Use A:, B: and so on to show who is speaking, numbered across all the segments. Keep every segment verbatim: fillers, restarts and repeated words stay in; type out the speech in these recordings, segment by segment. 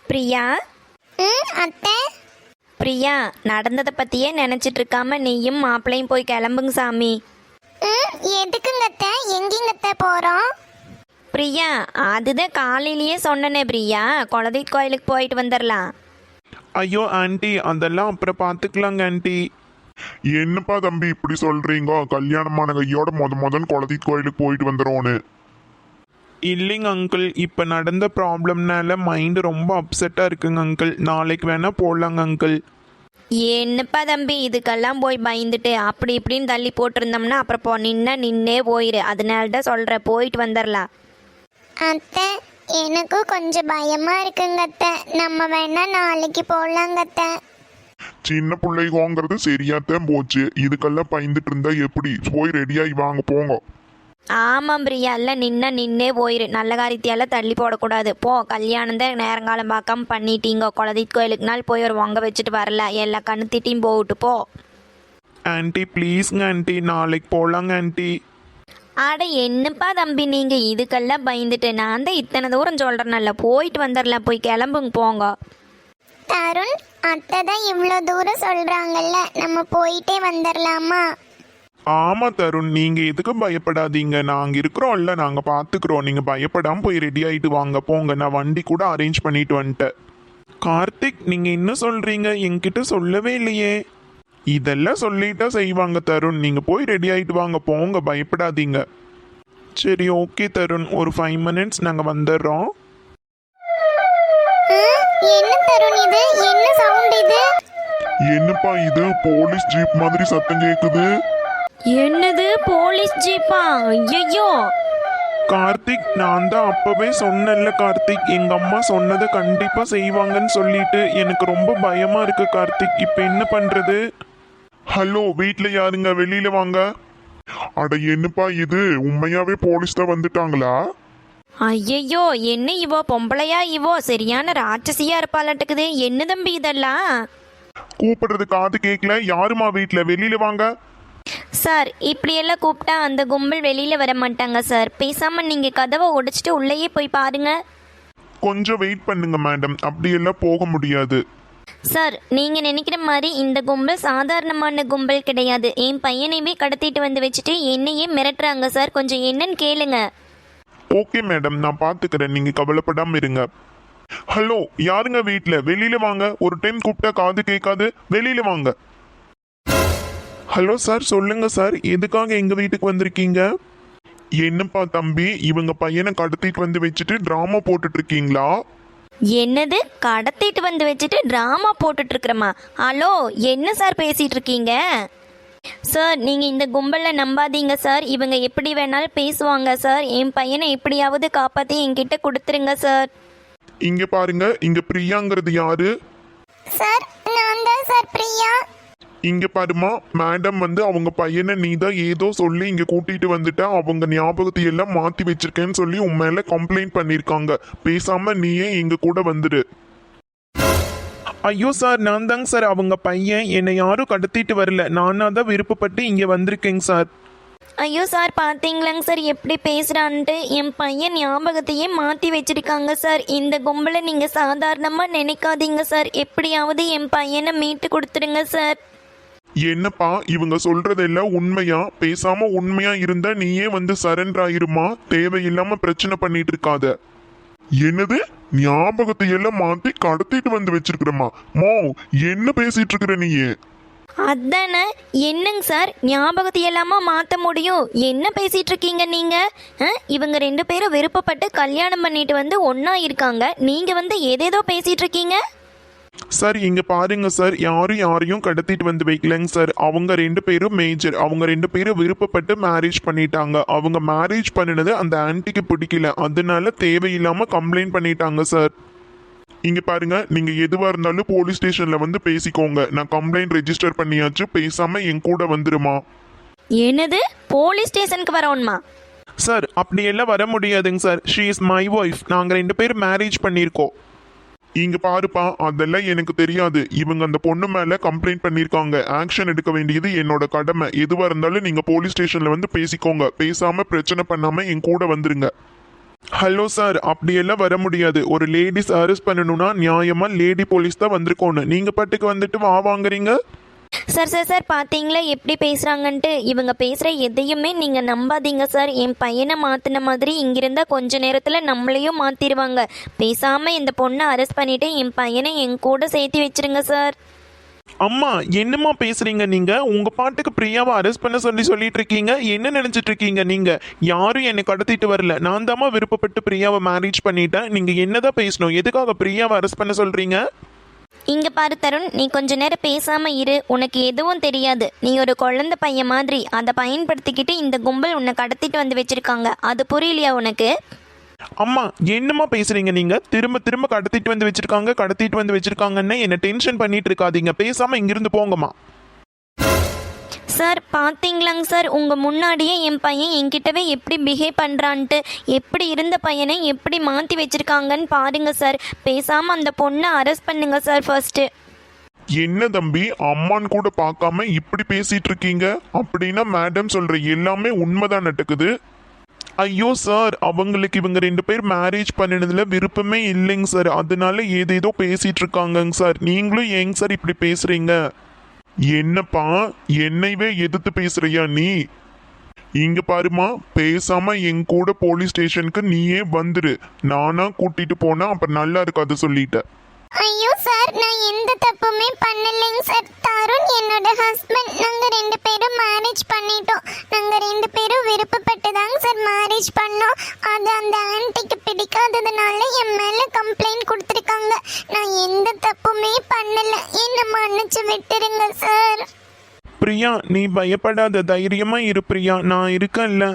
A: பிரியா.
B: ம் அத்தை.
A: பிரியா, நடந்ததை பற்றியே நினச்சிட்டு இருக்காம நீயும் மாப்பிள்ளையும் போய் கிளம்புங்க சாமி.
B: ம் எதுக்குங்க அத்தை? எங்கேங்க அத்தை போகிறோம்?
A: பிரியா, அதுதான் காலையிலேயே சொன்னனே பிரியா, குலதெய்வ கோயிலுக்கு போயிட்டு வந்துடலாம்.
C: ஐயோ ஆண்டி, அதெல்லாம் அப்புறம் பார்த்துக்கலாங்க ஆண்டி.
D: என்னப்பா தம்பி இப்படி சொல்றீங்க? கல்யாணமான கையோட முத முதல் குலதெய்வ கோயிலுக்கு போயிட்டு வந்துடுவோன்னு.
C: இல்லைங்க அங்கிள், இப்போ நடந்த ப்ராப்ளம்னால மைண்டு ரொம்ப அப்செட்டாக இருக்குங்க அங்கிள். நாளைக்கு வேணால் போடலாங்க அங்கிள்.
A: என்னப்பா தம்பி இதுக்கெல்லாம் போய் பயந்துட்டு அப்படி இப்படின்னு தள்ளி போட்டிருந்தோம்னா அப்புறம் போ நின்னா நின்னே போயிரு. அதனால தான் சொல்கிறேன், போயிட்டு வந்துடலாம்.
B: அத்தை, எனக்கும் கொஞ்சம் பயமா இருக்குங்க அத்தை. நம்ம வேணா நாளைக்கு போகலாங்க அத்தை.
D: சின்ன பிள்ளைகோங்கிறது சரியாத்தான் போச்சு. இதுக்கெல்லாம் பயந்துட்டு இருந்தா எப்படி? போய் ரெடியாகி வாங்க போங்க.
A: ஆமாம் பிரியா, எல்லாம் நின்னா நின்னே போயிரு. நல்ல காரியத்தையெல்லாம் தள்ளி போடக்கூடாது. போ, கல்யாணம் தான் நேரங்காலம் பார்க்காம பண்ணிட்டீங்க. குலதெய்வ கோயிலுக்கு நாள் போய் ஒரு பொங்க வச்சுட்டு வரல, எல்லா கண்ணுத்திட்டையும் போட்டு போ.
C: ஆண்டி ப்ளீஸ்ங்க ஆண்டி, நாளைக்கு போகலாங்க ஆண்டி.
A: அட என்னப்பா தம்பி நீங்கள் இதுக்கெல்லாம் பயந்துட்டு, நான் தான் இத்தனை தூரம் சொல்கிறேன்னல்ல, போயிட்டு வந்துடலாம். போய் கிளம்புங்க போங்க.
B: தருண், அத்தை தான் இவ்வளோ தூரம் சொல்கிறாங்கல்ல, நம்ம போயிட்டே வந்துடலாமா?
C: ஆமா தருண், நீங்க எதுக்கு பயப்படாதீங்க, நாங்க இருக்கிறோம்ல, நாங்க பாத்துக்கிறோம். நீங்க பயப்படாம போய் ரெடி ஆயிட்டு வாங்க போங்க. நான் வண்டி கூட அரேஞ்ச் பண்ணிட்டு வந்துட்டேன். கார்த்திக், நீங்க என்ன சொல்றீங்க? என்கிட்ட சொல்லவே இல்லையே. இதெல்லாம் சொல்லிட்டா செய்வாங்க தருண். நீங்க போய் ரெடி ஆயிட்டு வாங்க போங்க, பயப்படாதீங்க. சரி ஓகே தருண், ஒரு ஃபைவ் மினிட்ஸ் நாங்க வந்துடுறோம்.
B: ம், என்ன தருண் இது? என்ன சவுண்ட் இது?
D: என்னப்பா இது? போலீஸ் ஜீப் மாதிரி சத்தம் கேக்குது.
A: என்னது போலீஸ் ஜீப்பா? ஐயோ!
C: கார்த்திக், நான் தான் அப்பவே சொன்னேன்ல கார்த்திக், எங்க அம்மா சொன்னதை கண்டிப்பா செய்வாங்கன்னு சொல்லிட்டு எனக்கு ரொம்ப பயமா இருக்கு கார்த்திக். இப்ப என்ன பண்றது?
D: ஹலோ, வீட்ல யாருங்க? வெளியில வாங்க. அட என்னப்பா இது? உண்மையாவே போலீஸ் தான் வந்துட்டாங்களா?
A: ஐயையோ, என்ன இவோ பொம்பளையா? இவோ சரியான ராட்சசியா இருப்பாளாட்டுக்குது. என்ன தம்பி இதெல்லாம்?
D: கூப்பிடுறது காது கேட்கல. யாருமா வீட்ல? வெளியில வாங்க.
A: சார், இப்படியெல்லாம் கூப்பிட்டா அந்த கும்பல் வெளியில வர மாட்டாங்க சார். பேசாம நீங்க கதவை உடைச்சிட்டு உள்ளேயே போய் பாருங்க.
D: கொஞ்சம் வெயிட் பண்ணுங்க மேடம், அப்படியெல்லாம் போக முடியாது.
A: சார், நீங்க நினைக்கிற மாதிரி இந்த கும்பல் சாதாரணமான கும்பல் கிடையாது. என் பையனையுமே கடத்திட்டு வந்து வச்சுட்டு என்னையே மிரட்டுறாங்க சார். கொஞ்சம் என்னன்னு கேளுங்க.
D: ஓகே மேடம், நான் பாத்துக்கிறேன், நீங்க கவலைப்படாம இருங்க. ஹலோ, யாருங்க வீட்ல? வெளியில வாங்க. ஒரு டைம் கூப்பிட்டா காது கேட்காது. வெளியில வாங்க.
C: ஹலோ சார், சொல்லுங்க சார், எதுக்காக எங்க வீட்டுக்கு வந்திருக்கீங்க?
D: என்னப்பா தம்பி, இவங்க பையனை கடத்திட்டு வந்து வச்சுட்டு டிராமா போட்டுட்டு இருக்கீங்களா?
A: என்னது? கடத்திட்டு வந்து வச்சுட்டு டிராமா போட்டுட்டு இருக்கிறமா? ஹலோ, என்ன சார் பேசிட்டு இருக்கீங்க? சார், நீங்கள் இந்த கும்பலில் நம்பாதீங்க சார். இவங்க எப்படி வேணாலும் பேசுவாங்க சார். என் பையனை எப்படியாவது காப்பாற்றி என்கிட்ட கொடுத்துருங்க சார்.
D: இங்க பாருங்க, இங்க பிரியாங்கிறது யாரு?
B: சார், நான் தான் சார் பிரியா.
D: இங்க பாருமா, மேடம் வந்து அவங்க பையனை நீ தான் ஏதோ சொல்லி இங்க கூட்டிட்டு வந்துட்ட, அவங்க ஞாபகத்தை எல்லாம் மாத்தி வச்சிருக்கேன்னு சொல்லி உன் மேல கம்ப்ளைண்ட் பண்ணிருக்காங்க. பேசாம நீயே எங்க கூட வந்துடு.
C: ஐயோ சார், நான் தாங்க சார் அவங்க பையன். என்னை யாரும் கடத்திட்டு வரல, நானா தான் விருப்பப்பட்டு இங்க வந்திருக்கேங்க சார்.
A: ஐயோ சார், பார்த்தீங்களாங்க சார் எப்படி பேசுகிறான்ட்டு? என் பையன் ஞாபகத்தையே மாற்றி வச்சிருக்காங்க சார். இந்த கும்பலை நீங்கள் சாதாரணமாக நினைக்காதீங்க சார். எப்படியாவது என் பையனை மீட்டு கொடுத்துருங்க சார்.
D: என்னப்பா இவங்க சொல்றதெல்லாம் உண்மையா? பேசாம உண்மையா இருந்தா நீயே வந்து சரண்டர் ஆயிருமா. தேவையில்லாம பிரச்சனை பண்ணிட்டு இருக்காத. என்னது? ஞாபகத்தை எல்லாம் மாத்தி கடத்திட்டு வந்து வச்சிருக்கிறமா? மோ, என்ன பேசிட்டு இருக்கிற நீயே?
A: அதானே. என்னங்க சார், ஞாபகத்தை எல்லாமா மாற்ற முடியும்? என்ன பேசிட்டு இருக்கீங்க நீங்க? இவங்க ரெண்டு பேரும் விருப்பப்பட்டு கல்யாணம் பண்ணிட்டு வந்து ஒன்னா இருக்காங்க. நீங்க வந்து ஏதேதோ பேசிட்டு இருக்கீங்க.
C: சார் இங்க பாருங்க சார், யாரும் யாரையும் கடத்திட்டு வந்து வைக்கலங்க சார். அவங்க ரெண்டு பேரும் மேஜர். அவங்க ரெண்டு பேரும் விருப்பப்பட்டு மேரேஜ் பண்ணிட்டாங்க. அவங்க மேரேஜ் பண்ணினது அந்த ஆன்ட்டிக்கு பிடிக்கல, அதனால தேவையில்லாம கம்ப்ளைண்ட் பண்ணிட்டாங்க சார். இங்க பாருங்க, நீங்க எதுவா இருந்தாலும் போலீஸ் ஸ்டேஷன்ல வந்து பேசிக்கோங்க. நான் கம்ப்ளைண்ட் ரெஜிஸ்டர் பண்ணியாச்சு. பேசாம என் கூட வந்துருமா.
A: என்னது? போலீஸ் ஸ்டேஷனுக்கு வரணுமா?
C: சார் அப்படியெல்லாம் வர முடியாதுங்க sir. She is my wife. நாங்க ரெண்டு பேரும் மேரேஜ் பண்ணியிருக்கோம்.
D: இங்க பாருப்பா, அதெல்லாம் எனக்கு தெரியாது. இவங்க அந்த பொண்ணு மேல கம்ப்ளைண்ட் பண்ணிருக்காங்க. ஆக்ஷன் எடுக்க வேண்டியது என்னோட கடமை. எதுவா இருந்தாலும் நீங்க போலீஸ் ஸ்டேஷன்ல வந்து பேசிக்கோங்க. பேசாம பிரச்சனை பண்ணாம என் கூட வந்துருங்க.
C: ஹலோ சார், அப்படியெல்லாம் வர முடியாது. ஒரு லேடிஸ் அரெஸ்ட் பண்ணணும்னா நியாயமா லேடி போலீஸ் தான் வந்திருக்கணும். நீங்க பாட்டுக்கு வந்துட்டு வா வாங்குறீங்க.
A: சார் சார் சார் பார்த்தீங்களா எப்படி பேசுகிறாங்கன்ட்டு. இவங்க பேசுகிற எதையுமே நீங்கள் நம்பாதீங்க சார். என் பையனை மாற்றின மாதிரி இங்கிருந்தால் கொஞ்ச நேரத்தில் நம்மளையும் மாற்றிடுவாங்க. பேசாமல் இந்த பொண்ணை அரெஸ்ட் பண்ணிவிட்டு என் பையனை என் கூட சேர்த்து வச்சிருங்க சார்.
C: அம்மா என்னம்மா பேசுறீங்க நீங்க? உங்க பாட்டுக்கு பிரியாவை அரெஸ்ட் பண்ண சொல்லி சொல்லிட்டு இருக்கீங்க. என்ன நினைச்சிட்டு இருக்கீங்க நீங்க? யாரும் என்னை கடத்திட்டு வரல. நான் தாம்மா விருப்பப்பட்டு பிரியாவை மேரேஜ் பண்ணிட்டேன். நீங்க என்னதான் பேசணும்? எதுக்காக பிரியாவை அரெஸ்ட் பண்ண சொல்றீங்க?
A: இங்கே பாரு தருண், நீ கொஞ்ச நேரம் பேசாமல் இரு. உனக்கு எதுவும் தெரியாது. நீ ஒரு குழந்தை பையன் மாதிரி. அதை பயன்படுத்திக்கிட்டு இந்த கும்பல் உன்னை கடத்திட்டு வந்து வச்சிருக்காங்க. அது புரியலையா உனக்கு?
C: அம்மா என்னம்மா பேசுறீங்க நீங்க? திரும்ப திரும்ப கடத்திட்டு வந்து வச்சிருக்காங்க கடத்திட்டு வந்து வச்சிருக்காங்கன்னு என்ன டென்ஷன் பண்ணிட்டு இருக்காதீங்க. பேசாம இங்கிருந்து போங்கம்மா.
A: சார் பார்த்தீங்களாங்க சார், உங்கள் முன்னாடியே என் பையன் என்கிட்டவே எப்படி பிஹேவ் பண்ணுறான்ட்டு. எப்படி இருந்த பையனை எப்படி மாற்றி வச்சுருக்காங்கன்னு பாருங்க சார். பேசாமல் அந்த பொண்ணை அரெஸ்ட் பண்ணுங்க சார் ஃபர்ஸ்ட்டு.
D: என்ன தம்பி, அம்மான்னு கூட பார்க்காம இப்படி பேசிட்டு இருக்கீங்க? அப்படின்னா மேடம் சொல்ற எல்லாமே உண்மைதான் நடக்குது.
C: ஐயோ சார், அவங்களுக்கு இவங்க ரெண்டு பேர் மேரேஜ் பண்ணினதுல விருப்பமே இல்லைங்க சார். அதனால ஏதேதோ பேசிட்டு இருக்காங்கங்க சார். நீங்களும் ஏங்க சார் இப்படி பேசுறீங்க?
D: என்னப்பா, என்னைவே எதிர்த்து பேசுறியா நீ? இங்க பாருமா, பேசாம என் கூட போலீஸ் ஸ்டேஷனுக்கு நீயே வந்துரு. நானா கூட்டிட்டு போனா அப்புறம் நல்லா இருக்காது சொல்லிட்ட.
B: ஐயோ சார், நான் எந்த தப்புமே பண்ணலைங்க சார். தருண் என்னோட ஹஸ்பண்ட். நாங்க ரெண்டு பேரும் மேரேஜ் பண்ணிட்டோம். நாங்க ரெண்டு பேரும் விருப்பப்பட்டு தாங்க சார் மேரேஜ் பண்ணோம். அது அந்த ஆன்ட்டிக்கு பிடிக்காததுனால என் மேல கம்ப்ளைண்ட் கொடுத்துருக்காங்க. நான் எந்த தப்புமே பண்ணல. என்ன மன்னிச்சு விட்டுருங்க சார்.
C: பிரியா, நீ பயப்படாத, தைரியமா இரு பிரியா, நான் இருக்கேன்ல.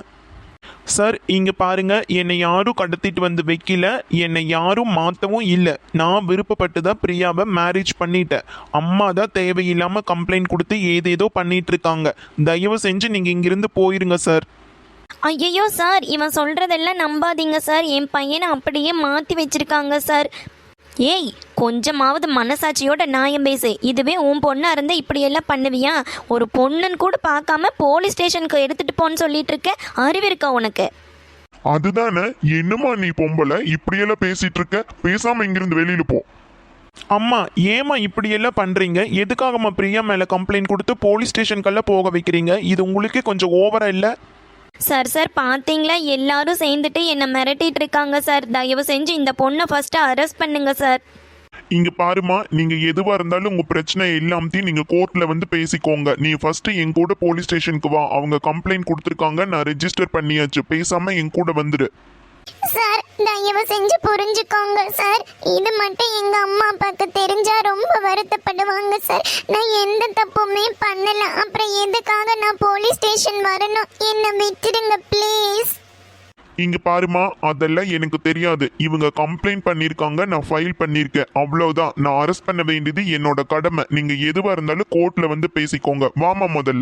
C: சார் இங்க பாருங்க, என்னை யாரும் கடத்திட்டு வந்து வைக்கல, என்னை யாரும் மாற்றவும் இல்லை. நான் விருப்பப்பட்டு தான் பிரியாவை மேரேஜ் பண்ணிட்டேன். அம்மா தான் தேவையில்லாம கம்ப்ளைண்ட் கொடுத்து ஏதேதோ பண்ணிட்டு இருக்காங்க. தயவு செஞ்சு நீங்க இங்கிருந்து போயிருங்க சார்.
A: ஐயையோ சார், இவன் சொல்கிறதெல்லாம் நம்பாதீங்க சார். என் பையனை அப்படியே மாற்றி வச்சிருக்காங்க சார். ஏய், கொஞ்சமாவது மனசாட்சியோட நியாயம் பேசு. இதுவே உன் பொண்ணாக இருந்தால் இப்படியெல்லாம் பண்ணுவியா? ஒரு பொண்ணுன்னு கூட பார்க்காம போலீஸ் ஸ்டேஷனுக்கு எடுத்துகிட்டு போன்னு சொல்லிட்டு இருக்க. அறிவு இருக்கா உனக்கு?
D: அதுதானே, என்னம்மா நீ பொம்பளை இப்படியெல்லாம் பேசிட்டு இருக்க? பேசாம இங்கிருந்து வெளியில போ.
C: அம்மா ஏமா இப்படியெல்லாம் பண்றீங்க? எதுக்காகம்மா பிரியா மேல கம்ப்ளைண்ட் கொடுத்து போலீஸ் ஸ்டேஷனுக்கெல்லாம் போக வைக்கிறீங்க? இது உங்களுக்கே கொஞ்சம் ஓவரா இல்லை?
A: சார் சார் பார்த்தீங்களா, எல்லாரும் சேர்ந்துட்டு என்னை மிரட்டிட்டு இருக்காங்க சார். தயவு செஞ்சு இந்த பொண்ணை ஃபஸ்ட்டு அரெஸ்ட் பண்ணுங்க சார்.
D: இங்க பாருமா, நீங்க எதுவா இருந்தாலும் உங்க பிரச்சனை எல்லாத்தையும் நீங்க கோர்ட்ல வந்து பேசிக்கோங்க. நீ ஃபர்ஸ்ட் என் கூட போலீஸ் ஸ்டேஷனுக்கு வா. அவங்க கம்ப்ளைண்ட் கொடுத்துருக்காங்க, நான் ரெஜிஸ்டர் பண்ணியாச்சு. பேசாம என் கூட வந்துரு.
B: சார் தயவு செஞ்சு புரிஞ்சுக்கோங்க சார். இது மட்டும் எங்க அம்மா அப்பாவுக்கு தெரிஞ்சா ரொம்ப வருத்தப்படுவாங்க சார். நான் எந்த தப்புமே பண்ணல. அப்புறம் எதுக்காக நான் போலீஸ் ஸ்டேஷன் வரணும்? என்ன விட்டுடுங்க ப்ளீஸ்.
D: இங்க பாருமா, அதெல்லாம் எனக்கு தெரியாது. இவங்க கம்ப்ளைண்ட் பண்ணிருக்காங்க, நான் ஃபைல் பண்ணிருக்கேன், அவ்வளவுதான். நான் அரெஸ்ட் பண்ண வேண்டியது என்னோட கடமை. நீங்க எதுவா இருந்தாலும் கோர்ட்ல வந்து பேசிக்கோங்க. வாமா முதல்ல.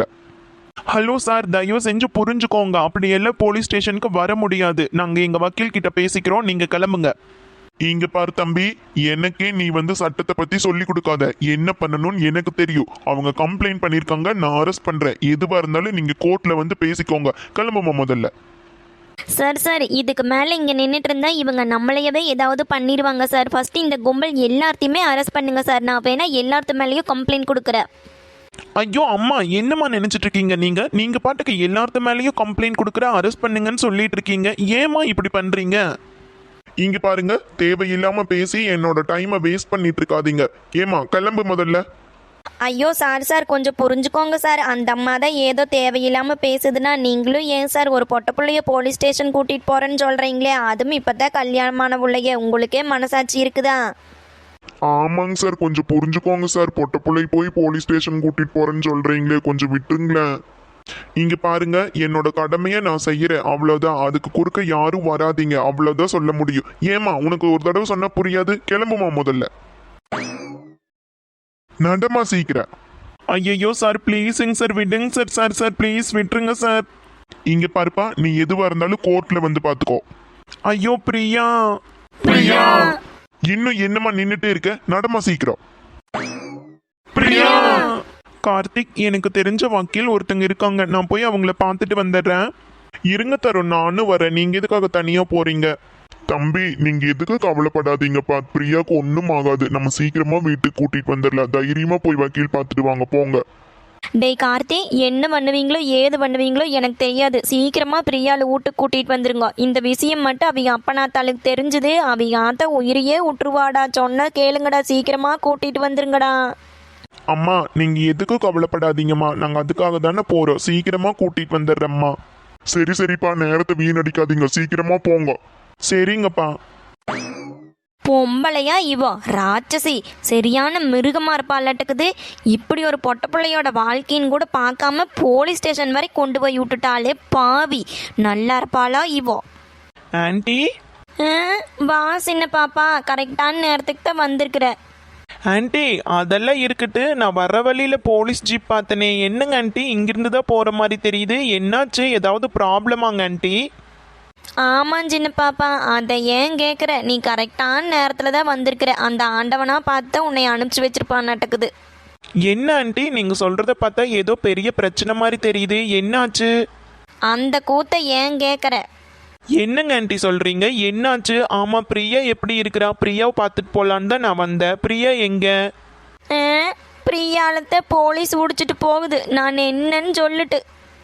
C: ஹலோ சார், தயவு செஞ்சு புரிஞ்சுக்கோங்க. அப்படியெல்லாம் போலீஸ் ஸ்டேஷனுக்கு வர முடியாது. நாங்கள் எங்கள் வக்கீல் கிட்ட பேசிக்கிறோம், நீங்கள் கிளம்புங்க.
D: இங்க பாரு தம்பி, எனக்கே நீ வந்து சட்டத்தை பத்தி சொல்லி கொடுக்காத. என்ன பண்ணணும்னு எனக்கு தெரியும். அவங்க கம்ப்ளைண்ட் பண்ணிருக்காங்க, நான் அரெஸ்ட் பண்றேன். எதுவா இருந்தாலும் நீங்க கோர்ட்ல வந்து பேசிக்கோங்க. கிளம்புமா முதல்ல.
A: சார் சார் இதுக்கு மேலே இங்கே நின்றுட்டு இருந்தா இவங்க நம்மளையவே ஏதாவது பண்ணிடுவாங்க சார். ஃபஸ்ட்டு இந்த கும்பல் எல்லாத்தையுமே அரெஸ்ட் பண்ணுங்க சார். நான் வேணா எல்லாத்து மேலேயும் கம்ப்ளைண்ட் கொடுக்குறேன்.
C: ஐயோ அம்மா, என்னம்மா நினைச்சிட்டு இருக்கீங்க நீங்க? நீங்க பாட்டுக்கு எல்லாத்து மேலேயும் கம்ப்ளைண்ட் கொடுக்குற, அரெஸ்ட் பண்ணுங்கன்னு சொல்லிட்டு இருக்கீங்க. ஏமா இப்படி பண்றீங்க?
D: இங்க பாருங்க, தேவையில்லாம பேசி என்னோட டைமை வேஸ்ட் பண்ணிட்டு இருக்காதீங்க. ஏமா கிளம்பு முதல்ல.
A: ஐயோ சார் சார் கொஞ்சம் புரிஞ்சுக்கோங்க சார். அந்த அம்மா தான் ஏதோ தேவையில்லாமல் பேசுதுன்னா நீங்களும் ஏன் சார் ஒரு பொட்ட பிள்ளைய போலீஸ் ஸ்டேஷன் கூட்டிகிட்டு போகிறேன்னு சொல்கிறீங்களே? அதுவும் இப்போ தான் கல்யாணமான பிள்ளைய. உங்களுக்கே மனசாட்சி இருக்குதா?
D: ஆமாங்க சார், கொஞ்சம் புரிஞ்சுக்கோங்க சார். பொட்ட பிள்ளை போய் போலீஸ் ஸ்டேஷன் கூட்டிட்டு போறேன்னு சொல்றீங்களே, கொஞ்சம் விட்டுருங்களேன். இங்க பாருங்க, என்னோட கடமையை நான் செய்யறேன், அவ்வளவுதான். அதுக்கு குறுக்க யாரும் வராதீங்க, அவ்வளவுதான் சொல்ல முடியும். ஏமா உனக்கு ஒரு தடவை சொன்னா புரியாது? கிளம்புமா முதல்ல. நடமா சீக்கிரம்.
C: ஐயோ சார், ப்ளீஸுங்க சார், விடுங்க சார். சார் சார் ப்ளீஸ் விட்டுருங்க சார்.
D: இங்க பாருப்பா, நீ எதுவா இருந்தாலும் கோர்ட்ல வந்து பாத்துக்கோ.
C: ஐயோ பிரியா.
A: பிரியா
D: இன்னும் என்னமா நின்னுட்டே இருக்க? நடமா சீக்கிரம்.
C: பிரியா. கார்த்திக், எனக்கு தெரிஞ்ச வக்கீல் ஒருத்தங்க இருக்காங்க, நான் போய் அவங்கள பார்த்துட்டு வந்துடுறேன். இருங்க தருண், நானும் வரேன். நீங்க எதுக்காக தனியா போறீங்க?
D: தம்பி நீங்க எதுக்கு கவலைப்படாதீங்கப்பா, பிரியாக்கு ஒன்றும் ஆகாது. நம்ம சீக்கிரமா வீட்டுக்கு கூட்டிட்டு வந்துடலாம். தைரியமா போய் வக்கீல் பார்த்துட்டு வாங்க, போங்க.
A: டேய் கார்த்தி, என்ன பண்ணுவீங்களோ ஏது பண்ணுவீங்களோ எனக்கு தெரியாது. சீக்கிரமா பிரியாளை வீட்டுக்கு கூட்டிட்டு வந்துருங்க. இந்த விஷயம் மட்டும் அவங்க அப்பனாத்தாளுக்கு தெரிஞ்சது, அவங்க ஆத்த உயிரையே விட்டுருவாடா. சொன்னா கேளுங்கடா, சீக்கிரமா கூட்டிட்டு வந்துருங்கடா.
C: அம்மா நீங்க எதுக்கும் கவலைப்படாதீங்கம்மா, நாங்க அதுக்காக தானே போறோம். சீக்கிரமா கூட்டிட்டு வந்துடுறேம்மா.
D: சரி சரிப்பா, நேரத்தை வீணடிக்காதீங்க, சீக்கிரமா போங்க.
C: சரிங்கப்பா.
A: பொம்பளையா இவோ ராட்சசி, சரியான மிருகமா இருப்பாளட்டுக்குது. இப்படி ஒரு பொட்ட பிள்ளையோட வாழ்க்கைன்னு கூட பார்க்காம போலீஸ் ஸ்டேஷன் வரை கொண்டு போய் விட்டுட்டாலே பாவி. நல்லா இருப்பாளா இவோ?
E: ஆண்டி
A: ஆ, வா சின்ன பாப்பா, கரெக்டான நேரத்துக்கு தான் வந்திருக்கிற.
E: ஆண்டி அதெல்லாம் இருக்கட்டு, நான் வர வழியில போலீஸ் ஜீப் பார்த்தனே. என்னங்க ஆண்டி இங்கிருந்து தான் போற மாதிரி தெரியுது, என்னாச்சு? ஏதாவது ப்ராப்ளமாங்க ஆண்டி?
A: ஆமாம் சின்ன பாப்பா, அதை ஏன் கேட்குற? நீ கரெக்டான நேரத்தில் தான் வந்திருக்கிற. அந்த ஆண்டவனா பார்த்து உன்னை அனுப்பிச்சி வச்சிருப்பான் நடக்குது.
E: என்ன ஆண்டி நீங்க சொல்றத பார்த்தா ஏதோ பெரிய பிரச்சனை மாதிரி தெரியுது, என்னாச்சு?
A: அந்த கூத்தை ஏன் கேட்குற?
E: என்னங்க ஆண்டி சொல்றீங்க, என்னாச்சு? ஆமா பிரியா எப்படி இருக்கிறா? பிரியாவை பார்த்துட்டு போலான்னு தான் நான் வந்தேன். பிரியா எங்க?
A: ஆ, பிரியாலத்தை போலீஸ் உடிச்சிட்டு போகுது. நான் என்னன்னு சொல்லிட்டு.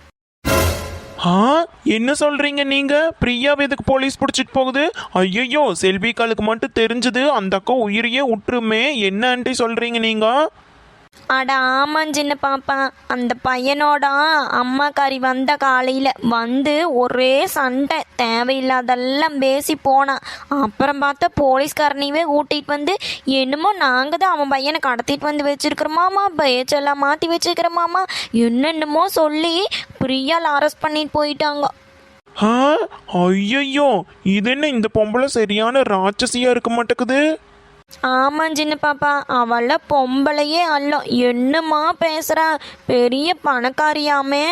E: ஆ என்ன சொல்றீங்க நீங்க? பிரியாவை எதுக்கு போலீஸ் பிடிச்சிட்டு போகுது? ஐயோ, செல்விகாலுக்கு மட்டும் தெரிஞ்சது அந்த அக்கா உயிரையே விட்டுருமே. என்ன ஆண்டி சொல்றீங்க நீங்க?
A: அட ஆமாம் சின்ன பாப்பா, அந்த பையனோட அம்மாக்காரி வந்த காலையில் வந்து ஒரே சண்டை, தேவையில்லாதெல்லாம் பேசி போனான். அப்புறம் பார்த்தா போலீஸ்காரனையே கூட்டிகிட்டு வந்து என்னமோ நாங்கள் தான் அவன் பையனை கடத்திட்டு வந்து வச்சிருக்கிறோமாமா, பேச்செல்லாம் மாற்றி வச்சுக்கிறோமாமா, என்னென்னமோ சொல்லி பிரியால் அரெஸ்ட் பண்ணிட்டு போயிட்டாங்க.
E: ஆ ஐயோ, இது என்ன இந்த பொம்பளை சரியான ராட்சசியா இருக்க மாட்டேக்குது.
A: ஆமாம் சின்ன பாப்பா, அவள பொம்பளையே அல்ல, என்னம்மா பேசுறா, பெரிய பணக்காரியாமே.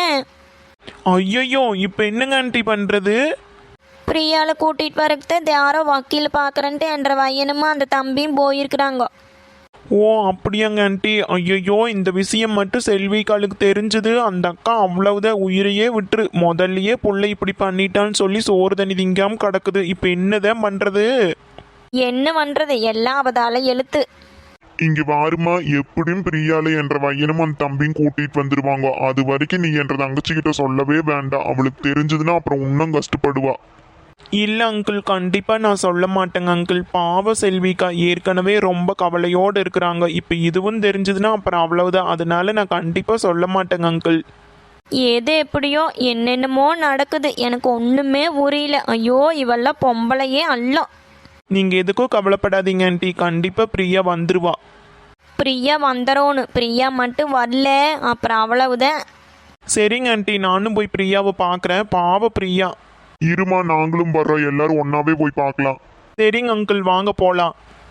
E: ஐயோ, இப்போ என்னங்க ஆண்டி பண்றது?
A: பிரியால கூட்டிட்டு வரக்கு யாரோ வக்கீல் பார்க்குறேன்ட்டு என்ற பையனுமா அந்த தம்பியும் போயிருக்கிறாங்க.
E: ஓ அப்படியாங்க ஆண்டி. ஐயோ, இந்த விஷயம் மட்டும் செல்விகாலுக்கு தெரிஞ்சது அந்த அக்கா அவ்வளவுதான், உயிரையே விட்டுரு. முதல்லயே புள்ளை இப்படி பண்ணிட்டான்னு சொல்லி சோறு தண்ணி திங்காம கிடக்குது. இப்போ என்னதான் பண்றது?
A: என்ன பண்றது, எல்லாம் அவதால எழுத்து.
D: இங்க வாருமா, எப்படியும் பிரியாலை என்ற பையனும் அந்த தம்பியும் கூட்டிட்டு வந்துருவாங்க. அது வரைக்கும் நீ என்ற தங்கச்சி கிட்ட சொல்லவே வேண்டாம். அவளுக்கு தெரிஞ்சதுன்னா அப்புறம் இன்னும் கஷ்டப்படுவா.
E: இல்லை அங்கிள், கண்டிப்பாக நான் சொல்ல மாட்டேங்க அங்கிள். பாவ செல்விக்கா ஏற்கனவே ரொம்ப கவலையோடு இருக்கிறாங்க. இப்போ இதுவும் தெரிஞ்சதுன்னா அப்புறம் அவ்வளவுதான். அதனால நான் கண்டிப்பாக சொல்ல மாட்டேங்க அங்கிள்.
A: எது எப்படியோ என்னென்னமோ நடக்குது, எனக்கு ஒன்றுமே புரியல. ஐயோ, இவெல்லாம் பொம்பளையே அல்ல.
E: நீங்கள் எதுக்கும் கவலைப்படாதீங்க ஆண்டி, கண்டிப்பாக பிரியா வந்துருவா.
A: பிரியா வந்துடணும், பிரியா மட்டும் வரல அப்புறம் அவ்வளவுதான்.
E: சரிங்க ஆண்டி, நானும் போய் பிரியாவை பார்க்குறேன். பாவ பிரியா.
D: இருமா, நாங்களும் வர்றோம், எல்லாரும் ஒன்னாவே போய் பார்க்கலாம்.
E: சரிங்க அங்கிள், வாங்க போகலாம்.